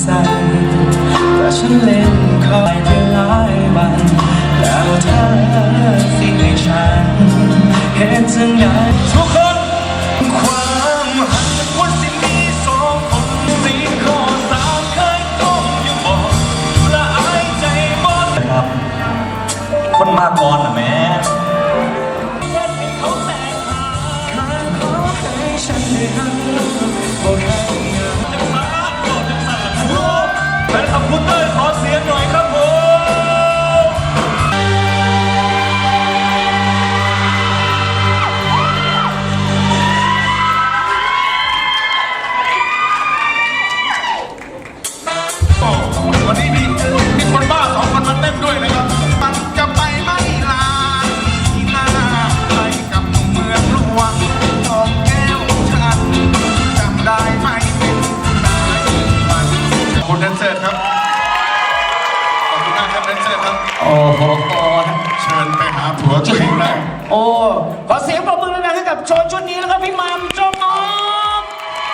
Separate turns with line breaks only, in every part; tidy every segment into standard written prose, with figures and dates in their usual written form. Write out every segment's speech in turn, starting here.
สั่นแต่ฉันเล่นคอยไปหลายวันแล้วเธอสิให้ฉันเห็นจังไงทุกคนความหักว่าสิมีสองคนสี่ข้อสามเคยก้มอยู่บอกละอายใจหมด
ครับคนมาก่อนนะแม่แฟนคลับคุณเต้ยขอเสียงหน่อยครับผม
วันนี้มีคนบ้า2 คนมาเต้นด้วยนะครับมันจะไปไม่ลาที่หน้าไปกับเมืองหลวงทองแก้วฉันจำได้ไหมเป็นได้มันคุณแดนเซอร์ครับขอบคุณมากครับแดนเซอร์ครับ
โอ้โห
เชิญไปหาผัวตัวเองได้
โอ้ขอเสียงปรบมือดังๆให้กับโชว์ชุดนี้แล้วก็พี่มัมจงออก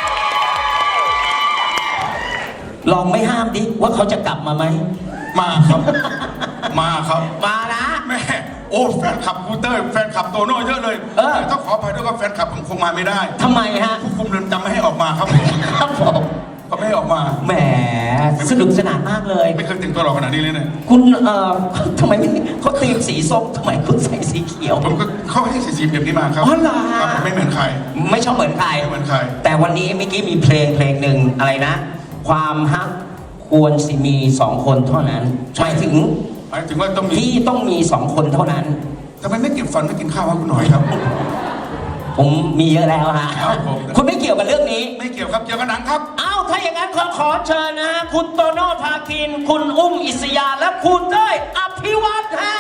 ลองไม่ห้ามดิว่าเขาจะกลับมาไหม
มาครับมาครับ
มานะ
แม่โอ้แฟนคลับกูเตอร์แฟนคลับโตโน่เยอะเลยต้องขออภัยด้วยว่าแฟนคลับผมคงมาไม่ได้
ทำไมฮะ
ผู้คุมเรือนจำไม่ให้ออกมาครับผม
ครับผม
ก็ไม่ให้ออกมา
แหมสนุกสนานมากเลย
ไม่เคยแต่งตัวหล่อขนาดนี้เลยเนี่ย
คุณทำไมไม่เขาตีมสีส้มทำไมคุณใส่สีเขียว
ผมก็เข้าให้สีแบบนี้มาครับ
อ๋อเหรอ
ผมไม่เหมือนใคร
ไม่ชอบเหมือนใคร
ไม่เหมือนใคร
แต่วันนี้เมื่อกี้มีเพลงหนึ่งอะไรนะความฮักควรสิมี2 คนเท่านั้นหมายถึง
ว่าต้องมี
ที่ต้องมี2 คนเท่านั้น
ทำไมไม่เก็บฟันไม่กินข้าววะคุณหน่อยครับ
ผมมีเยอะแล้วฮะคุณไม่เกี่ยวกับเรื่องนี้
ไม่เกี่ยวครับเกี่ยวกับหนังครับ
อ้าวถ้าอย่างนั้นขอเชิญนะฮะคุณโตโน่ภาคินคุณอุ้มอิสยาและคุณเต้ยอภิวัตฮะ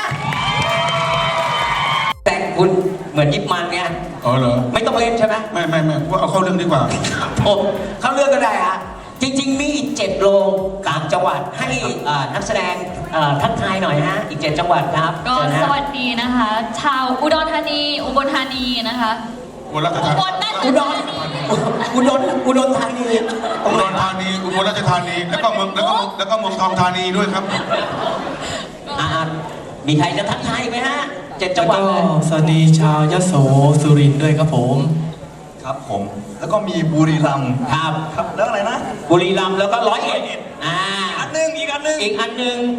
แต่งคุณเหมือนยิบมันเนี่ย
อ๋อเหรอ
ไม่ต้องเล่นใช่ไหม
ไม่ว่าเอาเข้าเรื่องดีกว่า
ผมเข้าเรื่องก็ได้ฮะจริงๆมีอีก7 โรงต่างจังหวัดให้นักแสดงทักทายหน่อยฮะอีก7 จังหวัดครับ
ก็สวัสดีนะคะชาวอุดรธานีอุบลธานีนะคะ
อุบลราชธานี
อุดรธานีอุดรธานี
อุบลราชธานีแล้วก็เมืองทองธานีด้วยครับ
มีใครจะทักทายไหมฮะ7 จังหวัด
สวัสดีชาวยโสสุรินทร์ด้วยครับผม
ครับผมแล้วก็มีบุรีรัมย์
ครับ
แล้วอะไรนะ
บุรีรัมย์แล้วก็101อีกอันหนึ่ง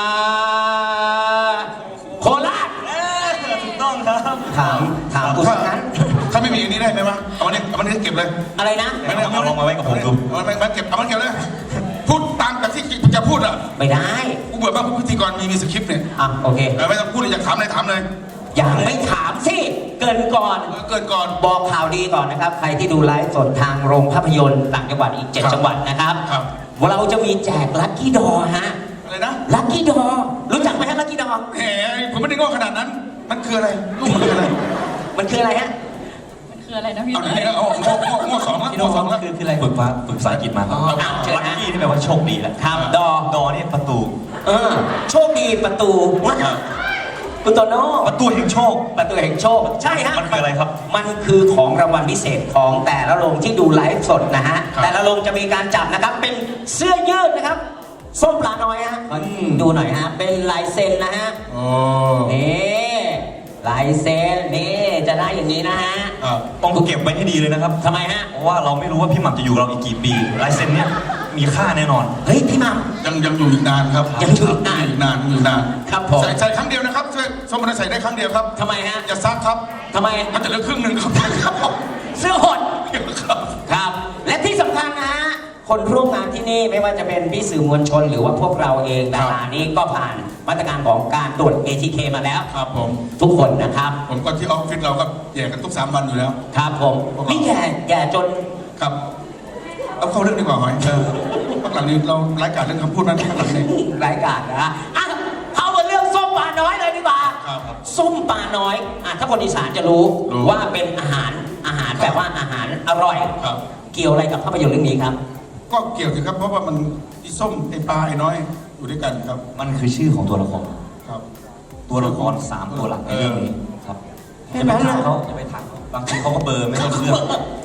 โคราช
ถูกต้องครับ
ถามกูสักนั้น
ถ้าไม่มีอันนี้ได้ไหมวะเอามันนี้เก็บเลย
อะไรนะ
ไม่ได้เอาลงมาไว้กับผมดู
มันเก็บเลยพูดตามแบบที่จะพูดอ่ะ
ไม่ได้
กูเบื่อมากพิธีกรมีสคริปต์เนี่ย
โอเค
ไม่ต้องพูดเลยอยากถามอะไรถามเลย
อย่างไม่ถามสิเกินก่อนบอกข่าวดีก่อนนะครับใครที่ดูไลฟ์สดทางโรงภาพยนตร์ต่างจังหวัดอีก7 จังหวัดนะครับเราจะมีแจกลัคกี้ดอฮะ
อะไรนะ
ลัคกี้ดอรู้จักไหมฮะลัคกี้ดอ
แหมผมไม่ได้งอขนาดนั้นมันคืออะไรลูกมันคืออะไร
มันคืออะไรฮะ
มันคืออะไรนะพี่
เอางอ2แล้ว
คืออะไรฝึกภาษาอังกฤษมาครับลัคกี้ที่แปลว่าโชคดีแหละ
ครับ
ดอนี่ประตู
โชคดีประตูคุณโตโน่
ประตูแห่งโชค
ใช่ฮะ
มันคืออะไรครับ
มันคือของรางวัลพิเศษของแต่ละโรงที่ดูไลฟ์สดนะฮะแต่ละโรงจะมีการจับนะครับเป็นเสื้อยืดนะครับส้มปลาน้อยฮะดูหน่อยฮะเป็นลายเซ็นนะฮะนี่ลายเซ็นนี่จะได้อย่างนี้นะฮะ
ต้องเก็บไว้ให้ดีเลยนะครับ
ทำไมฮะ
เพราะว่าเราไม่รู้ว่าพี่หม่ำจะอยู่เราอีกกี่ปีลายเซ็นเนี้ยมีค่าแน่นอน
เฮ้ยพี่หม่
ำยังอยู่อีกนานครับ
ยังอยู่อีกนานครับผม
ใส่ครั้งเดียวนะครับสมมติใส่ได้ครั้งเดียวครับ
ทำไมฮะ
อย่าซักครับ
ทำไม
มันจะเหลือครึ่งนึงครับ
เสื้อหดครับและที่สำคัญนะฮะคนร่วมงานที่นี่ไม่ว่าจะเป็นพี่สื่อมวลชนหรือว่าพวกเราเองดารานี้ก็ผ่านมาตรการของการตรวจ ATK มาแล้ว
ครับผม
ทุกคนนะครับ
ผมก็ที่ออฟฟิศเราก็แย่กันทุก3 วันอยู่แล้ว
ครับผมนี่แย่จน
ครับเอาเข้าเรื่องดีกว่าหอยพักหลังนี้เราไร้การเรื่องคำพูดนั้นพักหลังนี้
ไร้การนะเข้ามาเรื่องส้มปลาน้อยเลยดีกว่าส้มปลาน้อยถ้าคนอีสานจะรู้ว่าเป็นอาหารแบบว่าอาหารอร่อยเกี่ยวอะไรกับภาพยนตร์เรื่องนี้ครับ
ก็เกี่ยวสิครับเพราะว่ามันไอ้ส้มไอ้ปลาไอ้น้อยอยู่ด้วยกันครับ
มันคือชื่อของตัวละคร
ครับ
ตัวละคร3 ตัวหลักในเรื่องนี้ครับจะไปถามเขาบางทีเขาก็เบอร์ไม่ต้องเลือกใช่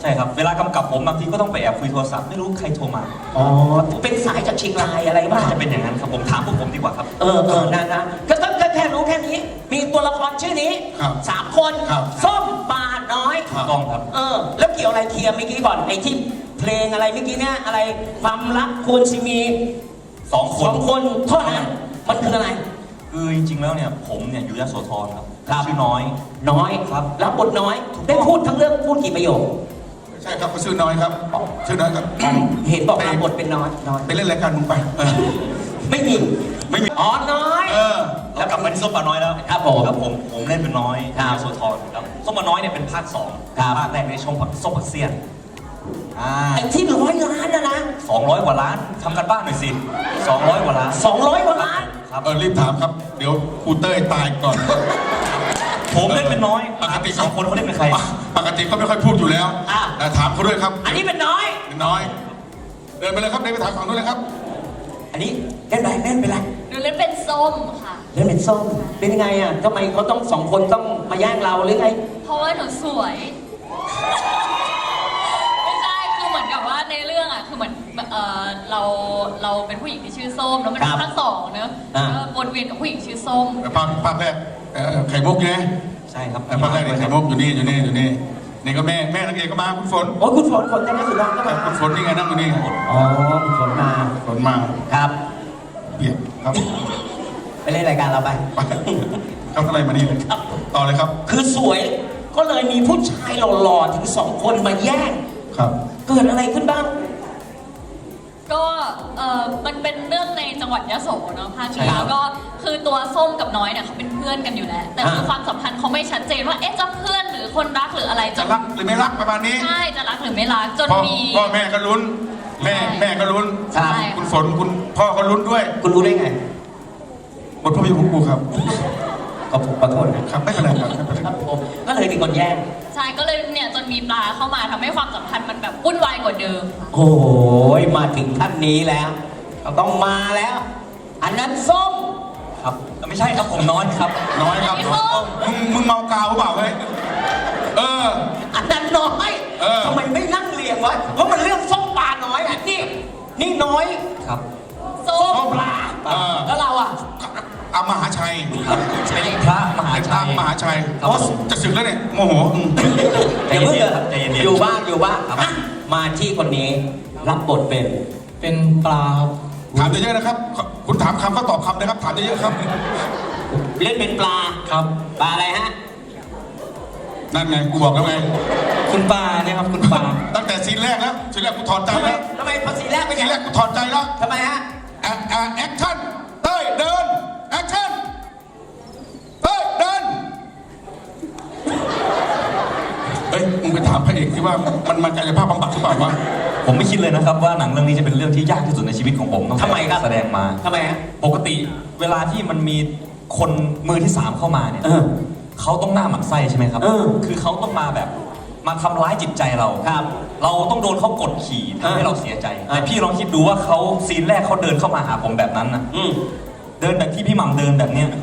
ช่ครับ เวลากำกับผมบางทีก็ต้องไปแอบคุยโทรศัพท์ไม่รู้ใครโทรมา
อ๋อเป็นสายจากเชียงรายอะไรบ้าง
น่าจะเป็นอย่างนั้นครับผมถามพวกผมดีกว่าครับ
นะก็ต้องแค่รู้แค่นี้ มีตัวละครชื่อนี้
ครับ
3 คน
ครับ
ส้มปลาน้อย
ครับ
ต้องครับ
แล้วเกี่ยวอะไรเคลียร์เมื่อกี้ก่อนไอ้ที่เพลงอะไรเมื่อกี้เนี่ยอะไรความรักควรสิมี
2 คน
2 คนเท่านั้นมันคืออะไร
คือจริงๆแล้วเนี่ยผมเนี่ยอยู่ยโสธรครับ
ครับ
ชื่อน้อย
น้อย
ครับ
แล้วบทน้อย ได้พูดทั้งเรื่องพูดกี่ประโยค
ใช่ครับเขาชื่อน้อยครับชื่อน้อยครับ
เห็นบอกรับบทเป็นน้อย
ไปเล่นรายการมึงไป
ไม่มีอ๋อน้อย
แล้วกลับมาที่ส้มปลาน้อยแล้ว
ครับผม
ผมเล่นเป็นน้อย
ครับ
ยโสธรครับส้มปลาน้อยเนี่ยเป็นภาค 2
ครับ
ภาคแรกในช่องส้มผักเสี้ยน
ไอ้ที่100 ล้านนะ
200 กว่าล้านทำกันบ้านหน่อยสิ200 กว่าล้าน
200 กว่าล้าน
ครับ
รีบถามครับ เดี๋ยวครูเต้ยตายก่อน
ผมเล่นเป็นน้อย
ปกติ
สองคนเขาเล่นเป็นใคร
ปกติเขาไม่ค่อยพูดอยู่แล้ว
อ่ะ
แต่ถามเขาด้วยครับ
อันนี้เป็นน้อย
เป็นน้อย เดินไปเลยครับเดินไปถามฝั่งนู้นเลยครับ
อันนี้เล่นเป็นไร
หนูเล่นเป็นส้มค่ะ
เล่นเป็นส้มเป็นยังไงอ่ะทำไมเขาต้อง2 คนต้องมาแย่งเราหรือไง
เพราะว่าหนูสวย ไม่ใช่ คือเหมือนกับว่าในเรื่องอ่ะ คือเหมือนเราเป็นผู้หญิงที่ชื่อส้ม แล้วมันเป็นภาค 2เนอะก็วนเวียนกับผู้หญิงชื่อส้ม
ภาคแรกไข่มุกอยู่ไหม
ใช่ครับ
ภาคแรกเนี่ยไข่มุกอยู่นี่นี่ก็แม่นักเอกก็มาคุณฝน
โอ้ยคุณฝนได้ไหมสุดยอดก็มา
คุณฝนนี่ไงนั่งอยู่นี่
อ๋อคุณฝนมา
ฝนมา
ครับ
เปียกครับ
ไปเล่นรายการเราไป
ไปครับอะไรมานี่เลยต่อเลยครับ
คือสวยก็เลยมีผู้ชายหล่อๆถึง2 คนมาแย่ง
ครับ
เกิดอะไรขึ้นบ้าง
ก็มันเป็นเรื่องในจังหวัดยะโสเนาะภาค
ใช่
นี้
ครับ
แล้วก็คือตัวส้มกับน้อยเนี่ยเขาเป็นเพื่อนกันอยู่แล้ว แต่คือความสัมพันธ์เขาไม่ชัดเจนว่าเอ๊ะจะเพื่อนหรือคนรักหรืออะไร
จะรักหรือไม่รักประมาณนี้
ใช่จะรักหรือไม่รักจน
พ่อ
มี
พ่อแม่ก็ลุ้น แม่ก็ลุ้น
ใช่
คุณฝนคุณพ่อก็ลุ้นด้วย
คุณรู้ได้ไง
บทภาพยนตร์ของครูครับ
ก็ผมขอโทษนะครับ
ไม่เป็นไรครับไม่เป็นไร
ครับผมก็เลยมีคนแย่ง
ใช่ก็เลยเนี่ยจนมีปลาเข้ามาทำให้ความสัมพันธ์มันแบบวุ่นวายกว่าเดิม
โอ้ยมาถึงท่านนี้แล้วต้องมาแล้ว อันนั้นส้ม
ครับไม่ใช่ครับผมน้อยครับ
น้อยครับ
ไอ้ส้ม
มึงเมากาวหรือเปล่าเฮ้ย
อันนั้นน้อย ทำไมไม่นั่งเรียงไว้เพราะมันเรื่องส้มปลาน้อยอ่ะนี่น้อย
ครับ
ส้ม
ปลาแล้วเราอ่ะ
อามหาชัย
ครับเป็นพระมหา
เป็นพ
ชั
ระ
ย
มหาชัย
ครับผม
จะสึกแล้วเนี่ยโมโห
ใจเย็นๆครับใจเย็นๆ
อยู่บ้างอ่ะมาที่คนนี้รับบทเป็น
เป็นปลาครับ
ถามเยอะๆนะครับ คุณถามคำก็ตอบคำนะครับ ถามเยอะๆครับ
เล่นเป็นปลา
ครับ
ปลาอะไรฮะ
นั่นไงกูบอกแล้วไง
คุณปลาเนี่ยครับคุณปลา
ตั้งแต่ซีนแรกแล้วซีนแรกกูถอดใจ
ทำไม
แล้ว
ทำไมภาษีแรกเป็น
ซี
ไง
นแรกกูถอดใจแล้ว
ทำไมฮะ
แอคชั่นเต้ยเดินแอคชั่นเต้ยเดินเฮ้ยมึงไปถามพระเอกที่ว่ามันกายภาพบำบัดหรือเปล่าวะ
ผมไม่คิดเลยนะครับว่าหนังเรื่องนี้จะเป็นเรื่องที่ยากที่สุดในชีวิตของผมตั้งแต่
ทำไมครับ
แสดงมา
ทำไมฮะ
ปกติเวลาที่มันมีคนมือที่ 3 เข้ามาเนี่ยเขาต้องหน้าหมันไส้ใช่ไหมครับ คือเขาต้องมาแบบมาทำร้ายจิตใจเรา
ครับ
เราต้องโดนเขากดขี่ทำให้เราเสียใจ
อ่า
แต่พี่ลองคิดดูว่าเขาซีนแรกเขาเดินเข้ามาหาผมแบบนั้นนะเดินแบบที่พี่หม่ำเดินแบบเนี้ย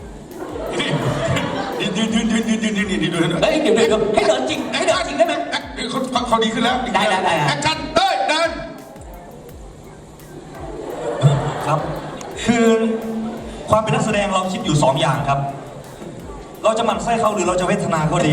ยืนดู
เฮ้ยเดี๋ยวให้เดินจริงให้เดินจริงได้ไหม
เขาดีขึ้นแล้ว
ได้
แอคชั่นเต้ยเดิน
ครับ คือความเป็นนักแสดงเราคิดอยู่ 2 อย่างครับ เราจะหมั่นไส้เขาหรือเราจะเวทนาเขาดี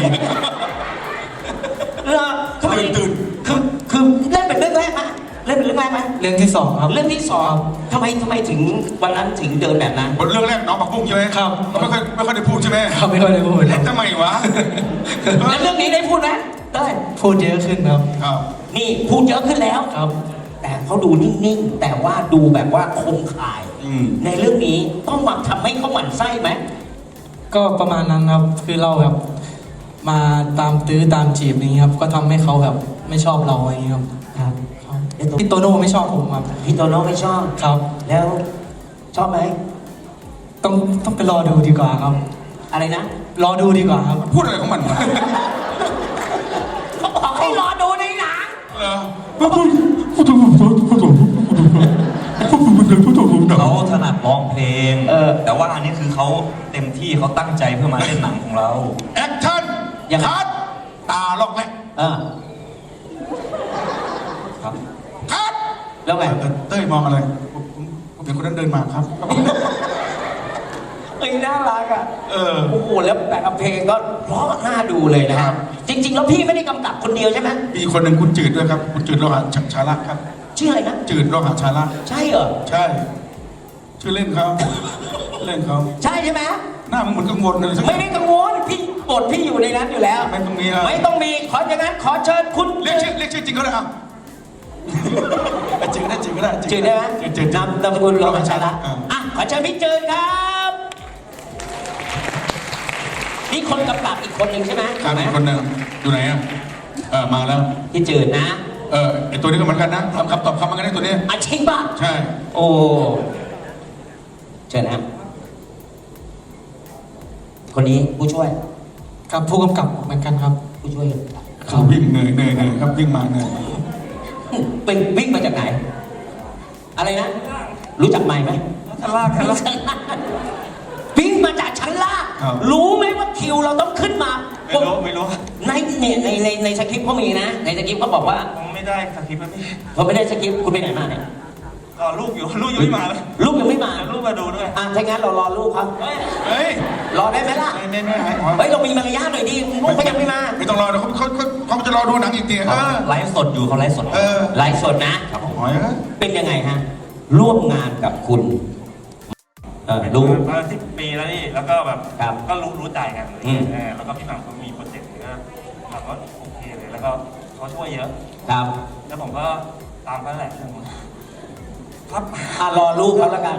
ทำไมตื่นคือเล่นเป็นเรื่องแรกไหมเล่นเป็นเรื่องแรกไหม
เรื่องที่สองครับ
เรื่องที่สองทำไมถึงวันนั้นถึงเดินแบบนั้น
บทเรื่องแรกน้องปักบุ้งใช่ไหม
ครับ
เขาไม่ค่อยได้พูดใช่ไหม
เขาไม่ค่อยได้พูดครับ
ทำไมวะ
แล้วเรื่องนี้ได้พูดไหมได้
พูดเยอะขึ้นครับ
ครับ
นี่พูดเยอะขึ้นแล้ว
ครับ
แต่เขาดูนิ่งๆ แต่ว่าดูแบบว่าคมขาย ในเรื่องนี้ต้องมาทำให้เขาหมั่นไส้ไหม
ก็ประมาณนั้นครับ คือเราแบบมาตามตื้อตามจีบอย่างนี้ครับ ก็ทำให้เขาแบบไม่ชอบเราอย่างนี้ครับ
ครับ
ครับพี่โตโน่ไม่ชอบผมครับ
พี่โตโน่ไม่ชอบ
ครับ
แล้วชอบไหม
ต้องไปรอดูดีกว่าครับ
อะไรนะ
รอดูดีกว่าครับ
พูดอะไรของมันวะ
เขาบอกให้รอดูในหนัง
เหรอ
เขาถนัดร้องเพลง แต่ว่าอันนี้คือเขาเต็มที่เขาตั้งใจเพื่อมาเล่นหนังของเรา
แอคชั่น
ยังไง
คัดตาลอกแรก
เออแล้วไง
เต้ยมองอะไรผมเห็นคนนั้นเดินมาครับ
เอ้ยน่ารักอ่ะ
เออ
โอ้โหแล้วแบบเพลงก็เพราะน่าดูเลยนะค
ครั
รับ
บ
จริง ๆ แล้วพี่ไม่ได้กำกับคนเดียวใช่ไหม
มีคนหนึ่งคุณจืดด้วยครับ คุณจืดโลหะชาละครับ
ชื่ออะไรนะ
จืดโลหะชาละ
ใช่เหรอ
ใช่ ชื่อเล่นเขาเล่นเขา
ใช่ใช่ไหม
หน้ามึงเหมือนกังวลอะไรสักอ
ไม่
ย่าง
ได้กังวลพี่บทพี่อยู่ในนั้นอยู่แล้ว
ไม่ต้องมีอะ
ไม่ต้องมีขออย่างนั้นขอเชิญคุณ
เรียกชื่อจริงก็ได้ครับจืดได้จืดก็ได้
จืดได้ไหม
จืด
นามสกุลโลหะชาละ
อ่า
อ่ะขอเชิญพี่จืดครับนี่คนกำกับอีกคนหนึ่งใช่ไหม
ครับอีกคนหนึ่งอยู่ไหนอ่ะมาแล้ว
พี่จืดนะ
ไอตัวนี้ก็เหมือนกันนะทำคำตอบคำเหมือนกันได้ตัวนี้
อาชิงป่ะ
ใช่
โอ้เชิญนะครับคนนี้ผู้ช่วย
กับผู้กำกับเหมือนกันครับ
ผู้ช่วย
เขาวิ่งเหนื่อยครับวิ่งมาเหนื่อย
เป็นวิ่งมาจากไหน อะไรนะ รู้จักไหมไหม
ชั้นล่างชั้นล่าง
ชั้นล่างวิ่งมาจากชั้นล่างรู้ไหมว่าคิวเราต้องขึ้นมา
ไม่รู้
ในเนี่ยในสคริปต์เขามีนะ ในสคริปต์เขาบอกว่า
ผมไม่ได้สคริปต์แล้วพี่
เขาไม่ได้สคริปต์คุณไปไหนมาเนี่ย
ก็ลูกอยู่ไม่มาเลย
ลูกยังไม่มา
ลูกมาดูด้วย
อ่ะถ้างั้นเรารอลูกครับ
เฮ้ย
รอได้ไหมล่ะ
ไม่หายหัว
เฮ้ยเรามีมารยาทหน่อยดิลูกเขายังไม่มา
ไม่ต้องรอเดี๋ยวเขาจะรอดูหนังอีกทีเออ
ไลฟ์สดอยู่เขาไลฟ์สด
ไลฟ์สดนะ
หอยเอ้ย
เป็นยังไงฮะ ร่วมงานกับคุณลูก
มา10 ปีแล้วนี่แล้วก็แบบ
ครับ
ก็รู้ใจกัน
อืม
แล้วก็พี่หม่ำเขามีโปรเจกต์ก็เราก็โอเคเลยแล้วก็เขาช่วยเยอะ
ครับ
แล้วผมก็ตามเขาแหละครับ
รอลูกเขาแล้วกัน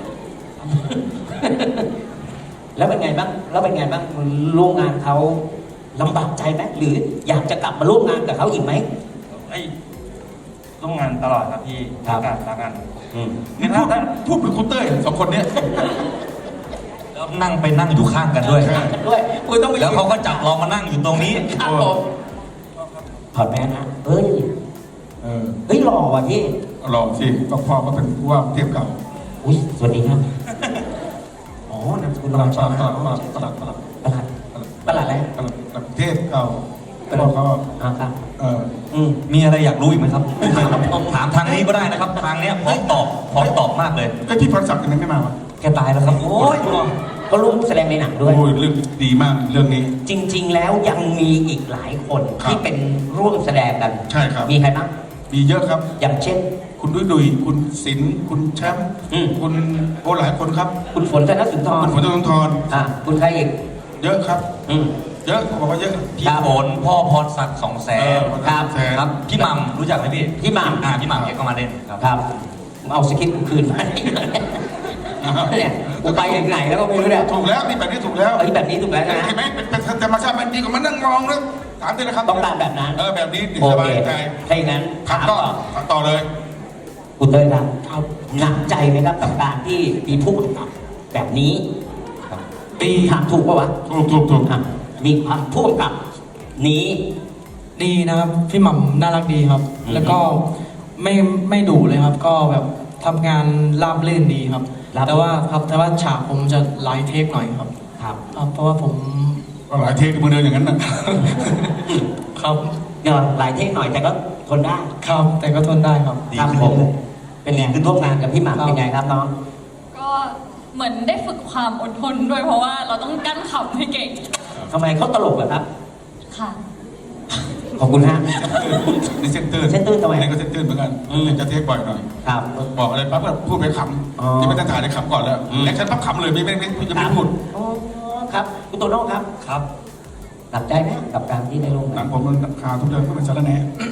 แล้วเป็นไงบ้างร่วมงานเขาลำบากใจไหมหรืออยากจะกลับมาร่วมงานกับเขาอีกไหม
ไอ้ยร่วมงานตลอดครับพี่
ครับ
รักกัน
อืม
นี่พูดเป็นคุณเต้ยสองคนเนี้ย
แล้วนั่งอยู่ข้างกันด้วย
ใช่
ด้วยคุณต้องไป
แล้วเขาก็จับเรามานั่งอยู่ตรงนี้
ครับผมถอดแมสนะเฮ้ย
เออ
เฮ้ยหล่อว่ะพี่
รอสิพ่อก็เป็นผู้ว่าเทียบเก่า
อุ้ยสวัสดีครับอ๋อนามสกุล
ประหลัด
ใช่ไหม
ประหลัด
ประหลัดอะไร
เทพเก่าพ่อเขา
ครับ
เออ
มีอะไรอยากรู้อีกไหมครับ ถามทางนี้ก็ได้นะครับ ทางเนี้ยพร้อมตอบมากเลย
ไอยพี่พรศักดิ์ทำไมไม่มาวะ
แกตายแล้วครับ โอ้ย
ก็ร่วมแสดงในหนังด้วย
โอ้ยเรื่องดีมากเรื่องนี้
จริง ๆ แล้วยังมีอีกหลายคน
ครับ
ที่เป็นร่วมแสดงกัน
ใช่ครับ
มีใครบ้าง
มีเยอะครับ
อย่างเช่น
คุณดุยคุณศิลป์คุณแชมป์
อืม
คุณโอ้หลายคนครับ
คุณฝนธนสุนทร
คุณฝนธนทร
คุณใครอีก
เยอะครับ
อืม
เยอะเขาบอกว่าเยอะ
พี่ฝนพ่อพรศักดิ์200,000
ครับ
ครับ พี่หม่ำรู้จักไหมพี่
พี่หม่ำ
พี่หม่ำแกก็มาเล่นครับ
ครับเอาสคริปต์กูคืนมาเนี่ยกูไปอย่างไหนแล้วก็ไม่รู้เนี่ย
ถูกแล้วนี่แบบนี้ถูกแล้ว
เอ้ยแบบนี้ถูกแล้วนะ
เห็นไหมเป็นธรรมชาติมันดีกว่ามานั่งมองแล้วถามด้วยนะครับ
ต้องการแบบนั้น
แบบนี้ดี
โอ
ส
เค
บายใจ
ถ้าอย่างนั้น
ขับต่อขับต่อเลย
คุณเต้ยครับหนักใจไหมครับกับการที่มีผู้กำกับแบบนี้ถามถูกปะวะ
ถูก
อ่ะมีความผู้กำกับนี้
ดีนะครับ พี่หม่ำน่ารักดีครับ
อืม
แล้วก็ไม่ดุเลยครับ ก็แบบทำงานราบรื่นดีครับ แต่ว่าฉากผมจะหลายเทคหน่อยครับ
ครับ
เพราะว่าผม
ก็หลายเทคมือเดินอย่างนั้นนะ
ครับ
เดี๋ยวหลายเทคหน่อยแต่ก็ทนได้
ครับแต่ก็ทนได้ครับ
ดี
ครับ
ขึ้น
ผม
เรื่อย
เป็นไงร่วมงานกับพี่หม่ำเป็นไงครับน้อง
ก็เหมือนได้ฝึกความอดทนด้วยเพราะว่าเราต้องกั้นขำให้เก่ง
ทำไมเขาตลกอะครับ
ค่ะ
ขอบคุณฮะ
นี่เส้นตื้น
เส้นตื้นทำไม
นี่ก็เส้นตื้นเหมือนกันจะเทคบ่อยหน่อย
ครับ
บอกอะไรปั๊บก็พูดไปข
อ๋อ
ำที่ไม่ต้องถ่ายได้ขำก่อนแล้ว
อืม
แอคชั่นปั๊บขำเลยไม่จะไม่พูด
อ๋อครับคุณโตโน่ครับ
ครับ
หนักใจไหมกับการที่ได้ร่วม
หนั
งาง น
ผมมันขาทุกเดือนก็เป็นสารแหน่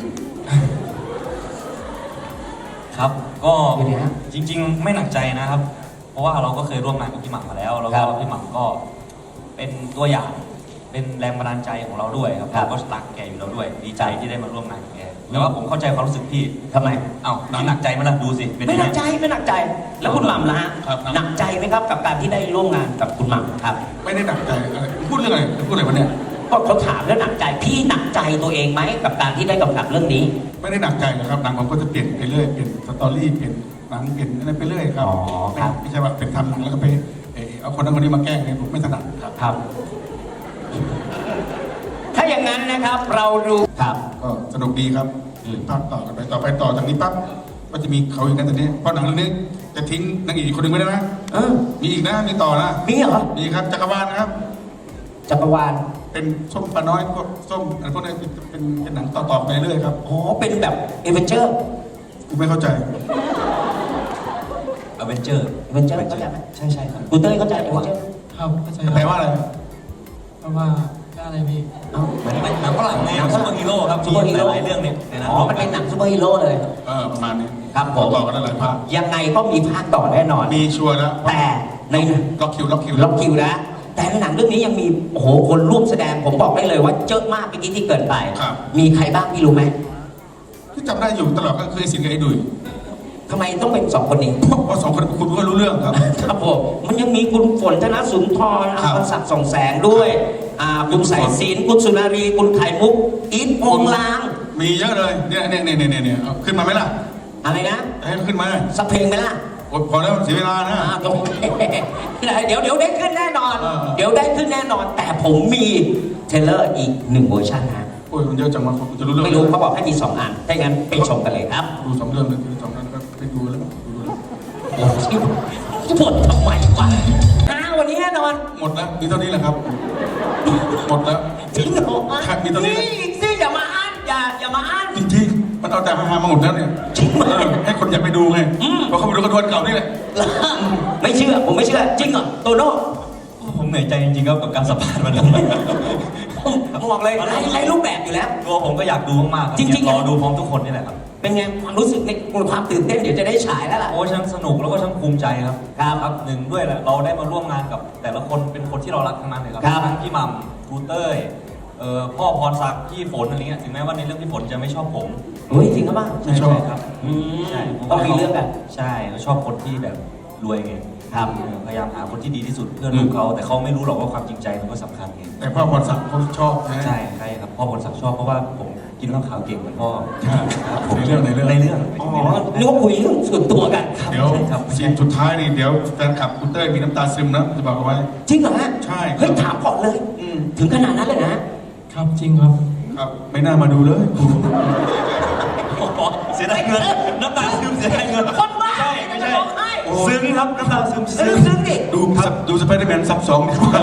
ครับ ก็
เป็นไงฮะ
จริง ๆ ไม่หนักใจนะครับ เพราะว่าเราก็เคยร่วมงานกับพี่หม่ำมาแล้ว แล้ว
ครั
ก็
บ
พี่หม่ำก็เป็นตัวอย่าง เป็นแรงบันดาลใจของเราด้วยครับ
ครับ
เราก็รักแกอยู่แล้วด้วย ดีใจที่ได้มาร่วมงานกับแกแต่ว่าผมเข้าใจความรู้สึกพี่
ทำไม
เอ้าหนักใจไหมล่ะดูสิเป็น
ไม่
ยัง
ห
ไง
นักใจไม่หนักใจ แล้วคุณหม่ำล่ะฮะ
ครับ
หนักใจไหมครับกับการที่ได้ร่วมงานกับคุณหม่ำครับ
ไม่ได้หนักใจอะไรพูดเรื่องอะไรพูดอะไรวะเนี่ย
ก็เขาถามแล้วหนักใจพี่หนักใจตัวเองไหมกับการที่ได้กำกับเรื่องนี้
ไม่ได้หนักใจนะครับหนังผมก็จะเปลี่ยนไปเรื่อยเปลี่ยนสตอรี่เปลี่ยนหนังเปลี่ยนอะไรไปเรื่อยครับ
อ๋อครับ
ไม่ใช่ว่าเป็นทำหนังแล้วก็ไปเอาคนนั้นคนนี้มาแกล้งเนี่ยผมไม่ถนัดครับ
ครับ ถ้าอย่างนั้นนะครับเราดูครับ
ก็สนุกดีครับ
อืม
ภาคต่อกันไปต่อจากนี้ปั๊บก็จะมีเขาอีกนะตอนนี้เพราะหนังเรื่องนี้จะทิ้งนางเอกอีกคนหนึ่งไม่ได้ไหม
เออ
มีอีกนะมีต่อนะ
มีเหรอ
มีครับจักรวาลนะครับ
จักรวาล
เป็นส้มปลาน้อยพวกส้มอะไรพวกนี้เป็นหนังต่อๆไปเรื่อยครับ
อ๋อเป็นแบบเอเวนเจอร์
กูไม่เข้าใจ
อเวนเจอร์
เอเวนเจอร์เข้าใจไหม
ใช่ใช่ครับ
คุณเต้ยเข้าใจเอเวนเจอร์
ครับเข้าใจ
แปลว่าอะไร
เพราะว่าอะไรพี่
เอ้าเหมือน
หนังฝรั่งไงซูเปอร์ฮีโร่ครับ
ซูเปอร์ฮีโร่
หลายๆเรื่องเนี่ยในนั้น
อ๋อมันเป็นหนังซูเปอร์ฮีโร่เลย
ประมาณนี้
ครับผม
ต่อกันได้หลายภาค
ยังไงก็มีภาคต่อแน่นอน
มีชัวร์แล้ว
แต่ใน
ล็อกคิว
ล็อกคิวนะ แต่ในหนังเรื่องนี้ยังมีโอ้โหคนร่วมแสดงผมบอกได้เลยว่าเยอะมากเมื่อกี้ที่เกิดไป มีใครบ้างพี่รู้ไหม
ที่จำได้อยู่ตลอดก็คือไอ้สินกับไอ้ดุย
ทำไมต้องเป็นสองคนนี้
เพราะสองคนคุณก็รู้เรื่องครับ
ครับผมมันยังมีคุณฝนธนสุนทร
ครับ
พรศักดิ์ส่องแสงด้วยคุณสายศิลป์คุณสุนารีคุณไข่มุกอีทโปงลาง
มีเยอะเลยเนี่ยเอาขึ้นมาไหมล่ะ
อะไรนะ
ให้ขึ้นมา
สักเพลงไหมล่ะ
โอ๊ยพอแล้วเสียเวลานะ
โอเคเดี๋ยวได้ขึ้นแน่นอน เดี๋ยวได้ขึ้นแน่นอน แต่ผมมีเทรลเลอร์อีก1เวอร์ชันนะ
โอ้ยมันเยอะจังวะผมจะรู้เรื่อง
ไม่รู้เขาบอกให้มี2อันถ้าอย่างนั้นไปชมกันเลยครับ
ดู2 เรื่องเลยดู2 เรื่องนะครับไปดูแล้วดูแล้ว
โอ้ยหมดทำไมวะวันนี้แน่นอน
หมดแล้วมีเท่านี้แหละครับ หมดแล้ว
จริงเหรอ
ครับมีตัวนี้
นี่อีกสิอย่ามาอ้านอย่ามาอ้าน
จริงๆมันเอาแต่ฮาๆมาหมดแล้วเนี่ย
จริงเหรอ
ให้คนอยากไปดูไงเพราะเขาไปดูกระดวนเก่านี่แหละ
ไม่เชื่อผมไม่เชื่อจริงเหรอโตโน่
ผมเหนื่อยใจจริงๆครับกับการสัมภาษณ์วันนั้น
ผมบอกเลยไร้รูปแบบอยู่แล้ว
ตัวผมก็อยากดูมากๆคบ
จริงๆ
อยากรอดูพร้อมทุกคนนี่แหละครับ
เป็นไงความรู้สึกในความตื่นเต้นเดี๋ยวจะได้ฉายแล้วล่ะ
โอ้ช่างสนุกแล้วก็ช่างภูมิใจครับ
ครับ
หนึ่งด้วยแหละเราได้มาร่วมงานกับแต่ละคนเป็นคนที่เรารักทั้งนั้นเลยครับ
ครับ
ทั้งพี่หม่ำครูเต้ยพ่อพรศักดิ์พี่ฝนอะไรเงี้ยถึงแม้ว่าในเรื่องพี่ฝนจะไม่ชอบผม
เฮ้ยจริงหรือเปล่า
ใช่ครับ ใช่
ต้องมีเรื่องกัน
ใช่เขาชอบคนที่แบบรวยไง
ครับ
พยายามหาคนที่ดีที่สุดเพื่อลูกเขาแต่เขาไม่รู้หรอกว่าความจริงใจมันก็สำคัญไง
แต่พ่อพรศักดิ์เขาชอบนะ
ใช่ใช่ครับพ่อพรศักดิ์ชอบเพราะว่าผมกินข้าวขาวเก่งเหมือนพ่อ
ใช่
ครับ
ในเรื่อง
ในเรื่อง
อ๋อนึกว่าคุยเรื่องส่วนตัวกัน
เดี๋ยว
ใช่ครับ
ซีนสุดท้ายนี่เดี๋ยวแฟนคลับคุณเต้ยมีน้ำตาซึมนะจะบอกเอาไว้
จริงเหรอฮะ
ใช่
เฮ้ยถามก่อนเลย ถึงขนาดนั้นเลยนะ
ครับจริงครับ
ครับไม่น่ามาดูเลยกู
เสียดายเงินน้ำตาซึมเสียดายเงิน
คนบ้า
ใช่ไม่ใช่
ร้องไห้
ซึ้งครับน้ำตาซึม
ซึ้งดิ
ดูสไปเดอร์แมนซับซ้อนดีกว่า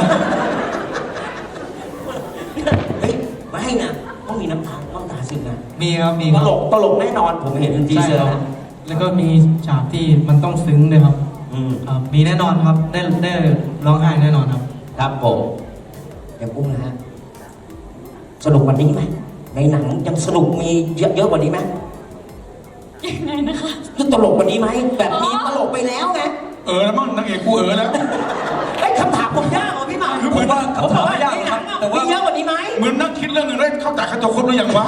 เฮ้ยไม่ให้นะต้องมีน้ำตาซึมนะ
มีครับมี
ต
ครับ
ลกแน่นอนผมเห็นที
ใช่
เซอ
ค
ร์
รับ
นะ
แล้วก็มีฉากที่มันต้องซึ้งด้วยครับ ครับมีแน่นอนครับได้ร้องไห้แน่นอนครับ
ครับผมเดี๋ยวกุ้งนะฮะสนุกกว่านี้ไหมในหนังยังสนุกมีเยอะกว่านี้ไหม
ยังไงนะคะ
ตลกกว่านี้ไหมแบบมีตลกไปแล้วไง
แล้วมั้งนางเอกกูแล้ว
ไอ้ยคำถามผมยากเหรอพี่หมา
คือผมว่า
ผมบอกว่าในหนังอะมีเยอะกว่านี้ไหม
เหมือนนั่งคิดเรื่องหนึงได้เข้าใจเข้าตัวครบหรือยังวะ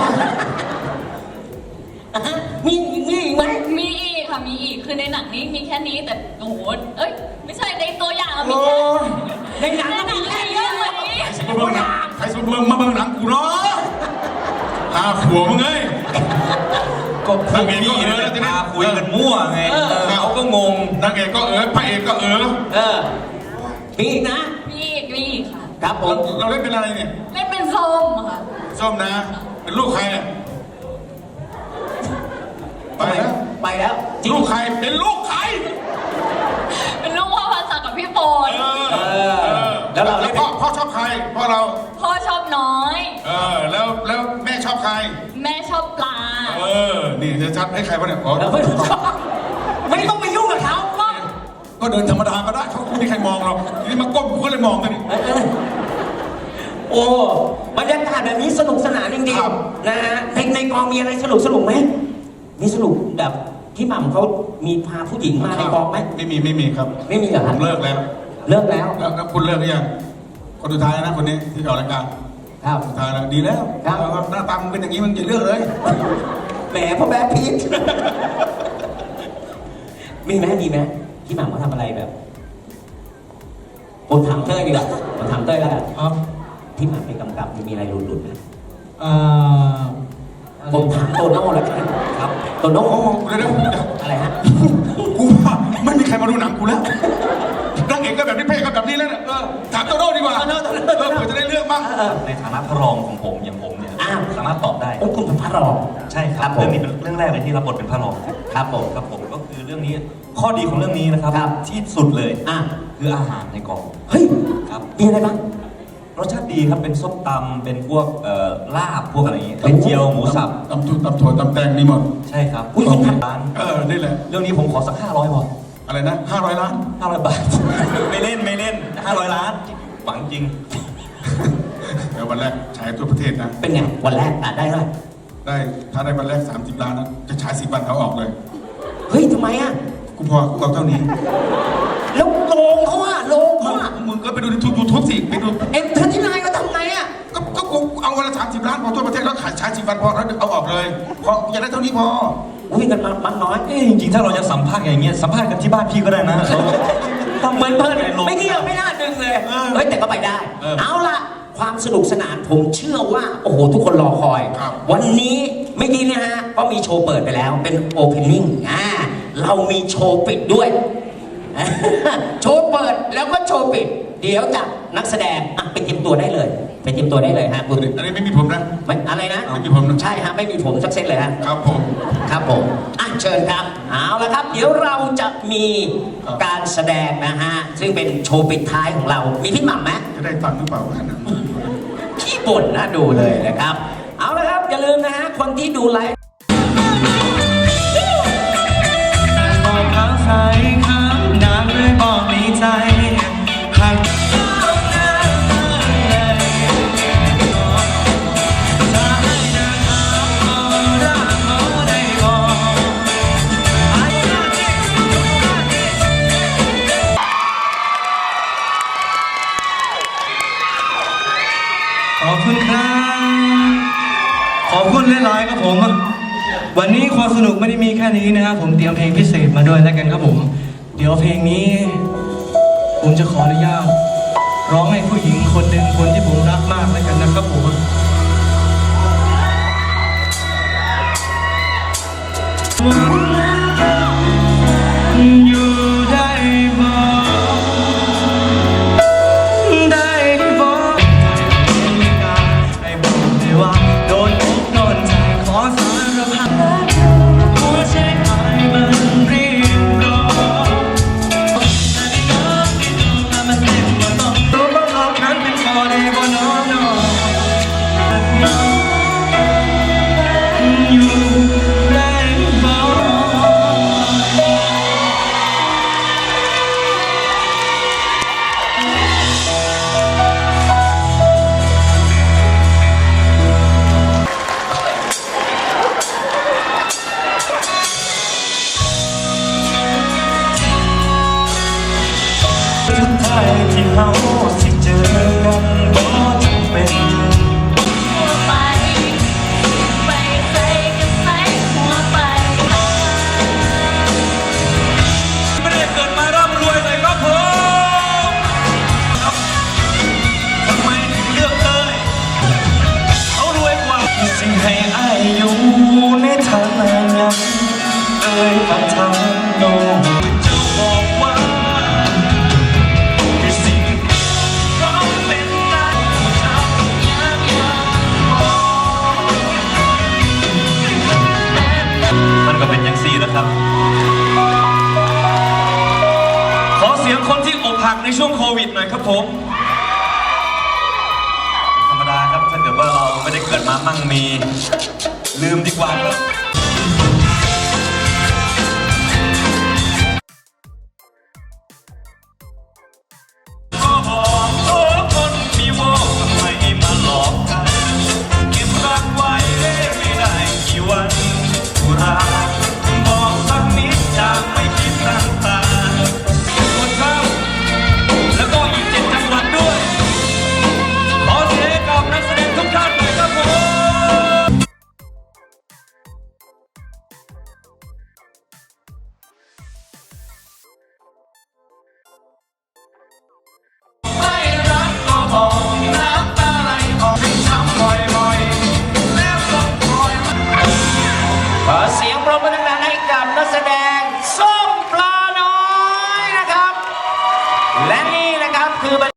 อ่ะฮะมีอีกไหม
มีอีกค่ะมีอีกคือในหนังนี้มีแค่นี้แต่โอ้โหเอ้ยไม่ใช่ในตัวอย่างอะมี
โอ้
แค่
ย
ในหนัง
ใน
ก็
หนั
มี
ง
แค่
มี
เย
เย
อะ
อะ
ก
ก
ว่า
ว่า
นี้
นี้
ใครสมเมืองใครสมเมืองมาเมืองหนังกูเนาะขัวมึงเอ้ย
ก็พวก
นางเอกก็
พี่
แล้วทีนี้
มาคุยกันมั่วไงเขาก็งง
นางเอกก็พระเอกก็
มีอีกนะ
มีอีกค่ะ
ครับผม
เราเล่นเป็นอะไรเนี่ย
เล่นเป็นส้มค่ะ
ส้มนะ เป็นลูกใครอะไปแล้ว
ไปแล้วจริง
ลูกใครเป็นลูกใคร
เป็นลูกพ่อพันศักดิ์กับพี่โปน
แล้วเราเล่น
พ่อชอบใครพ่อเรา
พ่อชอบน้อย
แล้วแม่ชอบใคร
แม่ชอบปลา
นี่จะชัดให้ใครวะเนี่ยอ๋อ
แล้วไม่ต้องไปยุ่งกับเขาก็
ก็เดินธรรมดาก็ได้เขาไม่มีใครมองหรอกทีนี่มาก้มกูก็เลยมองกันนี่
โอ้บรรยากาศแบบนี้สนุกสนานจริง
ครับ
ๆนะฮะในกองมีอะไรสนุกไหมมีสนุกแบบพี่หม่ำเขามีพาผู้หญิงมาในกองไหม
ไม่มีครับ
ไม่มีเหรอ
ผ
ครับ
มเลิกแล้ว
เลิกแล้ว
แล้วคุณเลิกหรือยังคนสุดท้ายนะคนนี้ที่ออกรายการ
ครับ
สุดท้ายแล้วดีแล้ว
ครับ
หน้าตามึงเป็นอย่างนี้มึงอย่าเลือกเลย
แหมพ่อแบ๊พีท มีไหมพี่หม่ำเขาทำอะไรแบบผมถามเต้ยดีกว่าผมถามเต้ยแล้วกัน
ครับ
พี่หม่ำไปกำกับมีอะไรหลุดๆไหม
อะไร
ผมถามโตโน่แล้วกันครับโตโน่
เดี๋ยว
อะไรฮะ
กูว่าไม่มีใครมาดูหนังกูแล้วนางเอกก็แบบนี้เพศก็แบบนี้แล้วเนี่ยถามโตโน่ดีกว่าเผื่อจะได้เรื่องมา
ในฐานะพระรองของผมอย่างผมเนี่ย
อ้าว
สามารถตอบได้
โอ้คุณเป็นพระรอง
ใช่ค
ครั
รั
บบ ผม
เรื่องนี้เป็นเรื่องแรกเลยที่รับบทเป็นพระรอง
ครับผม
ครับผมก็คือเรื่องนี้ข้อดีของเรื่องนี้นะครับ
ครับ
ที่สุดเลย
อ่ะ
คืออาหารในกอง
เฮ้ย
ครับ
มีอะไรบ้าง
รสชาติดีครับเป็นส้มตำเป็นพวกลาบพวกอะไรอย่างเงี้ยเป็นเจียวหมูสับ
ตำถั่วตำแตงนี่หมด
ใช่ครับ
อุ๊ย
ของร้าน
นี่แหละ
เรื่องนี้ผมขอสัก500พอ
อะไรนะ500 ล้าน
500 บาท ไม่เล่น500 ล้านหวังจริง
เดี๋ยววันแรกฉายทั่วประเทศนะ
เป็นไง วันแรกได้เท่าไหร่
ถ้าได้วันแรก30 ล้านนะจะฉาย10 วันเขาออกเลย
เฮ้ยทำไมอ่ะ
กูพอกูเอาเท่านี้
แล้วโรงเขาอ่ะโรงเขาอ่ะ
มึงก็ไปดูในยูทูบสิไปดู
เอ็มเธอที่นายก็ทำไงอ่ะ
ก็กูเอาวันละ30 ล้านพอทั่วประเทศแล้วขายฉาย10 วันพอแล้วเอาออกเลยพออย่าได้เท่านี้พอ
อุ้ยกันมันน้อย
จริงๆ ถ้าเราจะสัมภาษณ์อย่างเงี้ยสัมภาษณ์กันที่บ้านพี่ก็ได้นะ
เหมือนเพลินไม่เกี่ยวไม่น่าดึงเลย เฮ้ยแต่ก็ไปได้ เอาล่ะ ความสนุกสนานผมเชื่อว่า โอ้โห ทุกคนรอคอย วันนี้เมื่อกี้เนี่ยฮะ ก็มีโชว์เปิดไปแล้วเป็นโอเพนนิ่งเรามีโชว์ปิดด้วย โชว์เปิดแล้วก็โชว์ปิด เดี๋ยวจากนักแสดงอ่ะไปเตรียมตัวได้เลย ไปเตรียมตัวได้เลยฮะคุณ
อันนี้ไม่มีผมนะ
ไม่อะไรนะ
ไม่มีผมนะ
ใช่ฮะไม่มีผมสักเซตเลยฮะ
ครับผม
ครับผมอ่ะเชิญครับ เอาละครับ เดี๋ยวเราจะมีการแสดงนะฮะ ซึ่งเป็นโชว์ปิดท้ายของเรา มีพี่หม่ำไหม
จะได้ตังค์หรือเปล่าวะนะ
ขี้บ่นน่าดูเลยนะครับ เอาละครับ อย่าลืมนะฮะ คนที่ดูไลฟ์
บอกเขาใส่คำนานเลยบอกในใจหากขอบคุณครับ ขอบคุณหลายๆครับผม วันนี้ความสนุกไม่ได้มีแค่นี้นะครับผมเตรียมเพลงพิเศษมาด้วยแล้วกันครับผม เดี๋ยวเพลงนี้ ผมจะขออนุญาตร้องให้ผู้หญิงคนหนึ่งคนที่ผมรักมากแล้วกันนะครับผมอยู่ได้บ่ได้บ่ให้บอกได้ว่าโดนอกโดนใจขอสารพัดหัวใจหายมันรีบร้อนนาฬิกาที่ดูแล้วมันเต็มกว่าต้องรู้ว่าเขานั้นเป็นพอได้บ่นอนนอนอยู่ได้บ่ สุดท้ายที่เราสิเจอกันบ่จำเป็น
หัวไปไปใส่กันใส่หัวไป
ไม่ได้เกิดมาร่ำรวยเลยครับผมครับทำไมถึงเลือกเต้ยเขารวยกว่า
สิให้อายอยู่ในทางนั้นเอ่ยปากทางโน้ม
จะบอกว่าคือสิ่งเขาเป็นได้ทำอย่างมันก็เป็นอย่างซี่นะครับ ขอเสียงคนที่อกหักในช่วงโควิดหน่อยครับผม ธรรมดาครับถ้าเกิดว่าเราไม่ได้เกิดมามั่งมี ลืมดีกว่าครับ ก็บอกโอ้คนมีโว้ทำไมมาหลอกกันเก็บรักไว้ไม่ได้กี่วันกุราบอกสักนิดจากไม่คิดตั้งตาส่วนเขาแล้วก็อีก7 จังหวัดด้วย ขอเสียงให้กับนักแสดงทุกท่านหน่อยครับผม
ไม่รักก็บอกน้ำตาไหลออกให้ช้ำบ่อยๆแล้วต้องคอยมา
ขอเสียงปรบมือดังๆให้กับนักแสดงส้มปลาน้อยนะครับ และนี่นะครับคือบรร